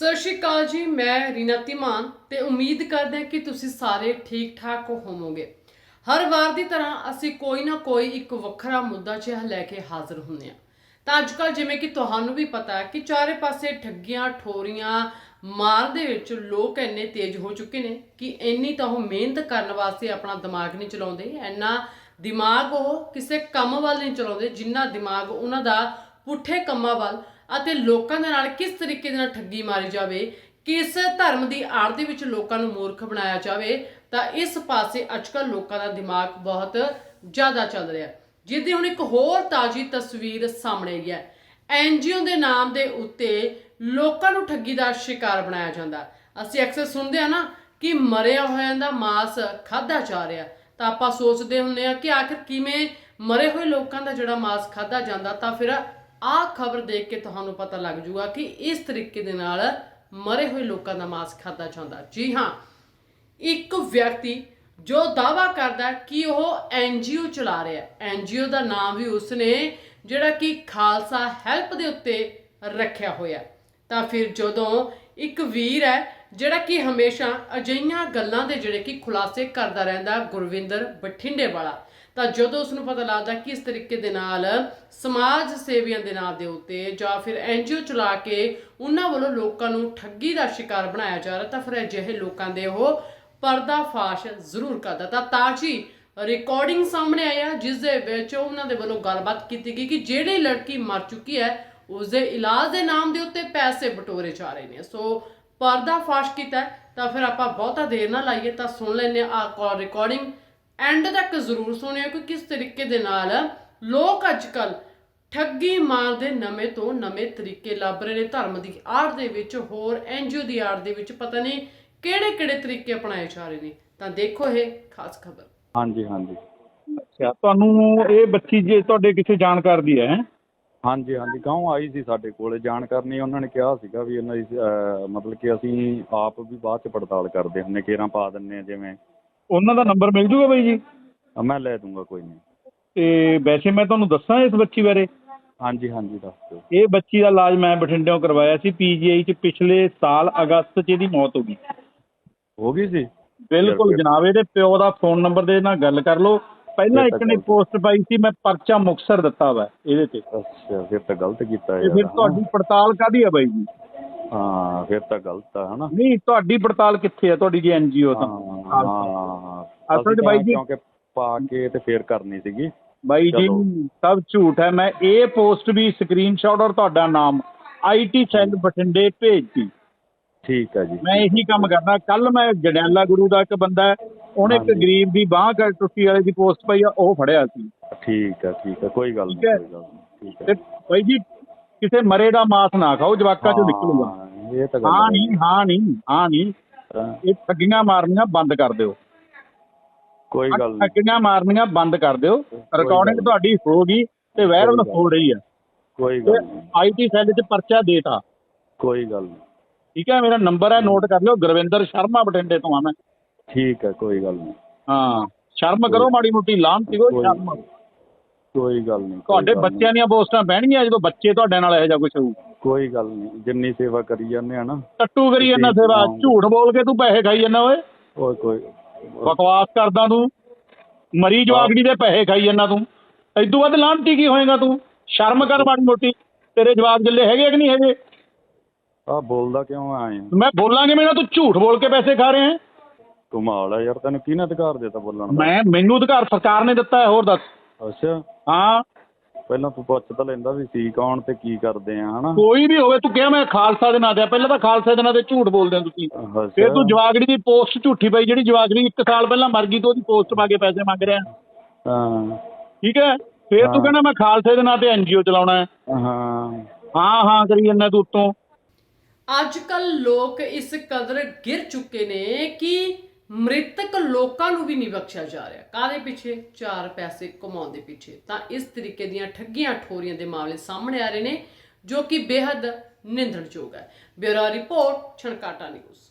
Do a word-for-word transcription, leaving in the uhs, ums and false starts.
ਸਤਿ ਸ਼੍ਰੀ ਅਕਾਲ ਜੀ। ਮੈਂ ਰੀਨਾ ਧੀਮਾਨ ਤੇ ਉਮੀਦ ਕਰਦੇ ਹਾਂ ਕਿ ਤੁਸੀਂ ਸਾਰੇ ਠੀਕ ਠਾਕ ਹੋਵੋਗੇ। ਹਰ ਵਾਰ ਦੀ ਤਰ੍ਹਾਂ ਅਸੀਂ ਕੋਈ ਨਾ ਕੋਈ ਇੱਕ ਵੱਖਰਾ ਮੁੱਦਾ ਜਿਹਾ ਲੈ ਕੇ ਹਾਜ਼ਰ ਹੁੰਦੇ ਹਾਂ। ਤਾਂ ਅੱਜ ਕੱਲ੍ਹ ਜਿਵੇਂ ਕਿ ਤੁਹਾਨੂੰ ਵੀ ਪਤਾ ਹੈ ਕਿ ਚਾਰੇ ਪਾਸੇ ਠੱਗੀਆਂ ਠੋਰੀਆਂ ਮਾਰ ਦੇ ਵਿੱਚ ਲੋਕ ਇੰਨੇ ਤੇਜ਼ ਹੋ ਚੁੱਕੇ ਨੇ ਕਿ ਇੰਨੀ ਤਾਂ ਉਹ ਮਿਹਨਤ ਕਰਨ ਵਾਸਤੇ ਆਪਣਾ ਦਿਮਾਗ ਨਹੀਂ ਚਲਾਉਂਦੇ, ਇੰਨਾ ਦਿਮਾਗ ਉਹ ਕਿਸੇ ਕੰਮ ਵੱਲ ਨਹੀਂ ਚਲਾਉਂਦੇ ਜਿੰਨਾ ਦਿਮਾਗ ਉਹਨਾਂ ਦਾ ਪੁੱਠੇ ਕੰਮਾਂ ਵੱਲ ਅਤੇ ਲੋਕਾਂ ਦੇ ਨਾਲ ਕਿਸ ਤਰੀਕੇ ਦੇ ਨਾਲ ਠੱਗੀ ਮਾਰੀ ਜਾਵੇ, ਕਿਸ ਧਰਮ ਦੀ ਆੜ ਦੇ ਵਿੱਚ ਲੋਕਾਂ ਨੂੰ ਮੂਰਖ ਬਣਾਇਆ ਜਾਵੇ, ਤਾਂ ਇਸ ਪਾਸੇ ਅੱਜ ਕੱਲ੍ਹ ਲੋਕਾਂ ਦਾ ਦਿਮਾਗ ਬਹੁਤ ਜ਼ਿਆਦਾ ਚੱਲ ਰਿਹਾ। ਜਿਹਦੀ ਹੁਣ ਇੱਕ ਹੋਰ ਤਾਜ਼ੀ ਤਸਵੀਰ ਸਾਹਮਣੇ ਆਈ ਹੈ। ਐਨ ਜੀ ਓ ਦੇ ਨਾਮ ਦੇ ਉੱਤੇ ਲੋਕਾਂ ਨੂੰ ਠੱਗੀ ਦਾ ਸ਼ਿਕਾਰ ਬਣਾਇਆ ਜਾਂਦਾ। ਅਸੀਂ ਅਕਸਰ ਸੁਣਦੇ ਹਾਂ ਨਾ ਕਿ ਮਰਿਆ ਹੋਇਆਂ ਦਾ ਮਾਸ ਖਾਧਾ ਜਾ ਰਿਹਾ, ਤਾਂ ਆਪਾਂ ਸੋਚਦੇ ਹੁੰਦੇ ਹਾਂ ਕਿ ਆਖਿਰ ਕਿਵੇਂ ਮਰੇ ਹੋਏ ਲੋਕਾਂ ਦਾ ਜਿਹੜਾ ਮਾਸ ਖਾਧਾ ਜਾਂਦਾ। ਤਾਂ ਫਿਰ ਆਹ ਖਬਰ ਦੇਖ ਕੇ ਤੁਹਾਨੂੰ ਪਤਾ ਲੱਗ ਜੂਗਾ ਕਿ ਇਸ ਤਰੀਕੇ ਦੇ ਨਾਲ ਮਰੇ ਹੋਏ ਲੋਕਾਂ ਦਾ ਮਾਸ ਖਾਧਾ ਜਾਂਦਾ। ਜੀ ਹਾਂ, ਇੱਕ ਵਿਅਕਤੀ ਜੋ ਦਾਅਵਾ ਕਰਦਾ ਕਿ ਉਹ ਐਨ ਜੀ ਓ ਚਲਾ ਰਿਹਾ, ਐਨ ਜੀ ਓ ਦਾ ਨਾਮ ਵੀ ਉਸਨੇ ਜਿਹੜਾ ਕਿ ਖਾਲਸਾ ਹੈਲਪ ਦੇ ਉੱਤੇ ਰੱਖਿਆ ਹੋਇਆ। ਤਾਂ ਫਿਰ ਜਦੋਂ ਇੱਕ ਵੀਰ ਹੈ ਜਿਹੜਾ ਕਿ ਹਮੇਸ਼ਾ ਅਜਿਹੀਆਂ ਗੱਲਾਂ ਦੇ ਜਿਹੜੇ ਕਿ ਖੁਲਾਸੇ ਕਰਦਾ ਰਹਿੰਦਾ, ਗੁਰਵਿੰਦਰ ਬਠਿੰਡੇ ਵਾਲਾ, ਤਾਂ ਜਦੋਂ ਉਸਨੂੰ ਪਤਾ ਲੱਗਦਾ ਕਿ ਇਸ ਤਰੀਕੇ ਦੇ ਨਾਲ ਸਮਾਜ ਸੇਵੀਆਂ ਦੇ ਨਾਂ ਦੇ ਉੱਤੇ ਜਾਂ ਫਿਰ ਐਨ ਜੀ ਓ ਚਲਾ ਕੇ ਉਹਨਾਂ ਵੱਲੋਂ ਲੋਕਾਂ ਨੂੰ ਠੱਗੀ ਦਾ ਸ਼ਿਕਾਰ ਬਣਾਇਆ ਜਾ ਰਿਹਾ, ਤਾਂ ਫਿਰ ਅਜਿਹੇ ਲੋਕਾਂ ਦੇ ਉਹ ਪਰਦਾਫਾਸ਼ ਜ਼ਰੂਰ ਕਰਦਾ। ਤਾਂ ਤਾਜ਼ੀ ਰਿਕਾਰਡਿੰਗ ਸਾਹਮਣੇ ਆਈ ਹੈ ਜਿਸ ਦੇ ਵਿੱਚ ਉਹਨਾਂ ਦੇ ਵੱਲੋਂ ਗੱਲਬਾਤ ਕੀਤੀ ਗਈ ਕਿ ਜਿਹੜੀ ਲੜਕੀ ਮਰ ਚੁੱਕੀ ਹੈ ਉਸਦੇ ਇਲਾਜ ਦੇ ਨਾਮ ਦੇ ਉੱਤੇ ਪੈਸੇ ਬਟੋਰੇ ਜਾ ਰਹੇ ਨੇ। ਸੋ ਪਰਦਾਫਾਸ਼ ਕੀਤਾ। ਤਾਂ ਫਿਰ ਆਪਾਂ ਬਹੁਤਾ ਦੇਰ ਨਾ ਲਾਈਏ ਤਾਂ ਸੁਣ ਲੈਂਦੇ ਆ ਕਾਲ ਰਿਕਾਰਡਿੰਗ, ਐਂਡ ਤੱਕ ਜ਼ਰੂਰ ਸੁਣਿਓ ਕਿ ਕਿਸ ਤਰੀਕੇ ਦੇ ਨਾਲ ਲੋਕ ਅੱਜ ਕੱਲ੍ਹ ਠੱਗੀ ਮਾਰ ਦੇ ਨਵੇਂ ਤੋਂ ਨਵੇਂ ਤਰੀਕੇ ਲੱਭ ਰਹੇ ਨੇ। ਧਰਮ ਦੀ ਆੜ ਦੇ ਵਿੱਚ, ਹੋਰ ਐਨ ਜੀ ਓ ਦੀ ਆੜ ਦੇ ਵਿੱਚ ਪਤਾ ਨਹੀਂ ਕਿਹੜੇ ਕਿਹੜੇ ਤਰੀਕੇ ਅਪਣਾਏ ਜਾ ਰਹੇ ਨੇ। ਤਾਂ ਦੇਖੋ ਇਹ ਖਾਸ ਖਬਰ। ਹਾਂਜੀ ਹਾਂਜੀ ਅੱਛਾ, ਤੁਹਾਨੂੰ ਇਹ ਬੱਚੀ ਜੇ ਤੁਹਾਡੇ ਕਿਸੇ ਜਾਣਕਾਰ ਦੀ ਹੈ? ਹਾਂਜੀ ਹਾਂਜੀ ਗਾਉਂ ਆਈ ਸੀ ਸਾਡੇ ਕੋਲ ਜਾਣਕਾਰੀ। ਉਹਨਾਂ ਨੇ ਕਿਹਾ ਸੀਗਾ ਵੀ ਇਹਨਾਂ ਦੀ ਅਹ, ਮਤਲਬ ਕਿ ਅਸੀਂ ਆਪ ਵੀ ਬਾਅਦ 'ਚ ਪੜਤਾਲ ਕਰਦੇ ਹੁੰਦੇ, ਕੇਰਾਂ ਪਾ ਦਿੰਦੇ ਹਾਂ ਜਿਵੇਂ। ਉਹਨਾਂ ਦਾ ਨੰਬਰ ਮਿਲ ਜੂਗਾ ਬਾਈ ਜੀ? ਅਹ ਮੈਂ ਲੈ ਦੂੰਗਾ, ਕੋਈ ਨਹੀਂ। ਤੇ ਵੈਸੇ ਮੈਂ ਤੁਹਾਨੂੰ ਦੱਸਾਂ ਇਸ ਬੱਚੀ ਬਾਰੇ। ਹਾਂਜੀ ਹਾਂਜੀ ਦੱਸ ਦਿਓ। ਇਹ ਬੱਚੀ ਦਾ ਇਲਾਜ ਮੈਂ ਬਠਿੰਡਿਓਂ ਕਰਵਾਇਆ ਸੀ ਪੀ ਜੀ ਆਈ 'ਚ। ਪਿਛਲੇ ਸਾਲ ਅਗਸਤ 'ਚ ਇਹਦੀ ਮੌਤ ਹੋ ਗਈ। ਹੋ ਗਈ ਸੀ? ਬਿਲਕੁਲ ਜਨਾਬ। ਇਹਦੇ ਪਿਓ ਦਾ ਫੋਨ ਨੰਬਰ ਦੇ ਨਾਲ ਗੱਲ ਕਰ ਲਓ। ਪਹਿਲਾਂ ਇੱਕ ਨੇ ਪੋਸਟ ਪਾਈ ਸੀ, ਮੈਂ ਪਰਚਾ ਮੁਕਤਸਰ ਦਿੱਤਾ ਵਾ ਇਹਦੇ ਤੇ। ਅੱਛਾ, ਫਿਰ ਤਾਂ ਗਲਤ ਕੀਤਾ ਤੇ ਯਾਰ। ਫਿਰ ਤੁਹਾਡੀ ਪੜਤਾਲ ਕਾਹਦੀ ਆ ਬਾਈ ਜੀ? ਹਾਂ ਫਿਰ ਤਾਂ ਗਲਤ ਆ ਹਨਾ। ਨਹੀਂ, ਤੁਹਾਡੀ ਪੜਤਾਲ ਕਿੱਥੇ ਆ ਤੁਹਾਡੀ ਜੀ ਐਨ ਜੀ ਓ ਤਾਂ? ਹਾਂ ਅਸਲ 'ਚ ਬਾਈ ਜੀ ਕਿਉਂਕਿ ਪਾ ਕੇ ਤੇ ਫੇਰ ਕਰਨੀ ਸੀਗੀ ਬਾਈ ਜੀ ਸਭ ਝੂਠ ਹੈ। ਮੈਂ ਇਹ ਪੋਸਟ ਵੀ ਸਕਰੀਨਸ਼ਾਟ ਔਰ ਤੁਹਾਡਾ ਨਾਮ ਆਈ ਟੀ ਸੈੱਲ ਬਠਿੰਡੇ ਭੇਜਤੀ। ਠੀਕ ਹੈ ਜੀ। ਮੈਂ ਇਹੀ ਕੰਮ ਕਰਦਾ। ਕੱਲ ਮੈਂ ਜੜਿਆਲਾ ਗੁਰੂ ਦਾ ਇੱਕ ਬੰਦਾ ਹੈ, ਉਹਨੇ ਇੱਕ ਗਰੀਬ ਦੀ ਬਾਂਹ ਕਰ ਟੁੱਟੀ ਵਾਲੇ ਦੀ ਪੋਸਟ ਪਾਈ ਆ, ਉਹ ਫੜਿਆ ਸੀ। ਠੀਕ ਹੈ ਠੀਕ ਹੈ, ਕੋਈ ਗੱਲ ਨਹੀਂ ਠੀਕ ਹੈ। ਕੋਈ ਗੱਲ ਨਹੀਂ। ਠੀਕ ਤੇ ਹੈ ਬਾਈ ਜੀ ਕਿਸੇ ਮਰੇ ਦਾ ਮਾਸ ਨਾ ਖਾਓ, ਜਵਾਕਾਂ ਚੋਂ ਨਿਕਲੂਗਾ। ਹਾਂ, ਇਹ ਤਾਂ ਗੱਲ ਹਾਂ ਨਹੀਂ ਹਾਂ ਨਹੀਂ ਹਾਂ ਨਹੀਂ ਹਾਂ, ਇਹ ਠੱਗੀਆਂ ਮਾਰਨੀਆਂ ਬੰਦ ਕਰ ਦਿਓ। ਕੋਈ ਗੱਲ ਨਹੀਂ। ਠੱਗੀਆਂ ਮਾਰਨੀਆਂ ਬੰਦ ਕਰ ਦਿਓ। ਗੱਲ ਰਿਕਾਰਡਿੰਗ ਨਹੀਂ। ਤੁਹਾਡੀ ਹੋ ਗਈ ਤੇ ਵਾਇਰਲ ਹੋ ਰਹੀ ਹੈ। ਕੋਈ ਗੱਲ ਨਹੀਂ। ਆਈ ਟੀ ਸੈੱਲ 'ਚ ਪਰਚਾ ਦੇਤਾ। ਕੋਈ ਗੱਲ ਨਹੀਂ। ਠੀਕ ਹੈ, ਮੇਰਾ ਨੰਬਰ ਹੈ, ਨੋਟ ਕਰ ਲਿਓ। ਗੁਰਵਿੰਦਰ ਸ਼ਰਮਾ ਬਠਿੰਡੇ ਤੋਂ ਆ ਮੈਂ। ਠੀਕ ਹੈ, ਕੋਈ ਗੱਲ ਨਹੀਂ। ਹਾਂ, ਸ਼ਰਮ ਕਰੋ ਮਾੜੀ ਮੋਟੀ, ਲਾਹਨ ਸੀਗੋ ਸ਼ਰਮ। ਕੋਈ ਗੱਲ ਨਹੀਂ। ਤੁਹਾਡੇ ਬੱਚਿਆਂ ਦੀਆਂ ਪੋਸਟਾਂ ਬਹਿਣਗੀਆਂ ਜਦੋਂ ਬੱਚੇ ਤੁਹਾਡੇ ਨਾਲ ਇਹੋ ਜਿਹਾ ਕੁਛ ਹੋਊ। ਕੋਈ ਗੱਲ ਨਹੀਂ, ਜਿੰਨੀ ਸੇਵਾ ਕਰੀ ਜਾਂਦੇ ਆ ਨਾ। ਟੱਟੂ ਕਰੀ ਜਾਂਦਾ ਸੇਵਾ, ਝੂਠ ਬੋਲ ਕੇ ਤੂੰ ਪੈਸੇ ਖਾਈ ਜਾਂਦਾ ਓਏ। ਓਏ ਕੋਈ ਬਕਵਾਸ ਕਰਦਾ ਤੂੰ, ਮਰੀ ਜਵਾਗੜੀ ਦੇ ਪੈਸੇ ਖਾਈ ਜਾਂਦਾ ਤੂੰ। ਇਦੋਂ ਵੱਧ ਲਾਹਨਤੀ ਕੀ ਹੋਏਗਾ ਤੂੰ? ਸ਼ਰਮ ਕਰ ਮਾੜੀ ਮੋਟੀ। ਤੇਰੇ ਜਵਾਕ ਜਿੱਲੇ ਹੈਗੇ ਕਿ ਨਹੀਂ ਹੈਗੇ? ਆਹ ਬੋਲਦਾ ਕਿਉਂ ਆਏ? ਮੈਂ ਬੋਲਾਂਗੇ ਮੇਰਾ, ਤੂੰ ਝੂਠ ਬੋਲ ਕੇ ਪੈਸੇ ਖਾ ਰਹੇ ਹੈ। ਕਮਾਲ ਆ ਯਾਰ, ਤੈਨੂੰ ਕਿਹਨੇ ਅਧਿਕਾਰ ਦਿੱਤਾ ਬੋਲਣ ਦਾ? ਮੈਂ ਮੈਨੂੰ ਅਧਿਕਾਰ ਸਰਕਾਰ ਨੇ ਦਿੱਤਾ ਹੈ। ਹੋਰ ਦੱਸ। ਅੱਛਾ, ਹਾਂ ਪਹਿਲਾਂ ਤੂੰ ਪੁੱਛ ਤਾਂ ਲੈਂਦਾ ਵੀ ਸੀ ਕੌਣ ਤੇ ਕੀ ਕਰਦੇ ਆ ਹਨਾ। ਕੋਈ ਵੀ ਹੋਵੇ, ਤੂੰ ਕਿਹਾ ਮੈਂ ਖਾਲਸਾ ਦੇ ਨਾਂ ਤੇ। ਪਹਿਲਾਂ ਤਾਂ ਖਾਲਸਾ ਦੇ ਨਾਂ ਤੇ ਝੂਠ ਬੋਲਦੇ ਹੋ ਤੁਸੀਂ। ਫਿਰ ਤੂੰ ਜਵਾਗੜੀ ਦੀ ਪੋਸਟ ਝੂਠੀ ਪਾਈ, ਜਿਹੜੀ ਜਵਾਗੜੀ ਇੱਕ ਸਾਲ ਪਹਿਲਾਂ ਮਰ ਗਈ, ਤੇ ਉਹਦੀ ਪੋਸਟ ਪਾ ਕੇ ਪੈਸੇ ਮੰਗ ਰਿਹਾ। ਹਾਂ ਠੀਕ ਹੈ। ਫਿਰ ਤੂੰ ਕਹਿੰਦਾ ਮੈਂ ਖਾਲਸੇ ਦੇ ਨਾਂ ਤੇ ਐਨ ਜੀ ਓ ਚਲਾਉਣਾ ਹੈ। ਹਾਂ ਹਾਂ ਹਾਂ ਕਰੀ ਜਾਂਦਾ ਤੂੰ ਉੱਤੋਂ। ਅੱਜ ਕੱਲ ਲੋਕ ਇਸ ਕਦਰ ਗਿਰ ਚੁੱਕੇ ਨੇ ਕਿ ਮ੍ਰਿਤਕ ਲੋਕਾਂ ਨੂੰ ਵੀ ਨਹੀਂ ਬਖਸ਼ਿਆ ਜਾ ਰਿਹਾ। ਕਾਹਦੇ ਪਿੱਛੇ? ਚਾਰ ਪੈਸੇ ਕਮਾਉਣ ਦੇ ਪਿੱਛੇ। ਤਾਂ ਇਸ ਤਰੀਕੇ ਦੀਆਂ ਠੱਗੀਆਂ ਠੋਰੀਆਂ ਦੇ ਮਾਮਲੇ ਸਾਹਮਣੇ ਆ ਰਹੇ ਨੇ ਜੋ ਕਿ ਬੇਹੱਦ ਨਿੰਦਣਯੋਗ ਹੈ। Bureau report, Chhankata news.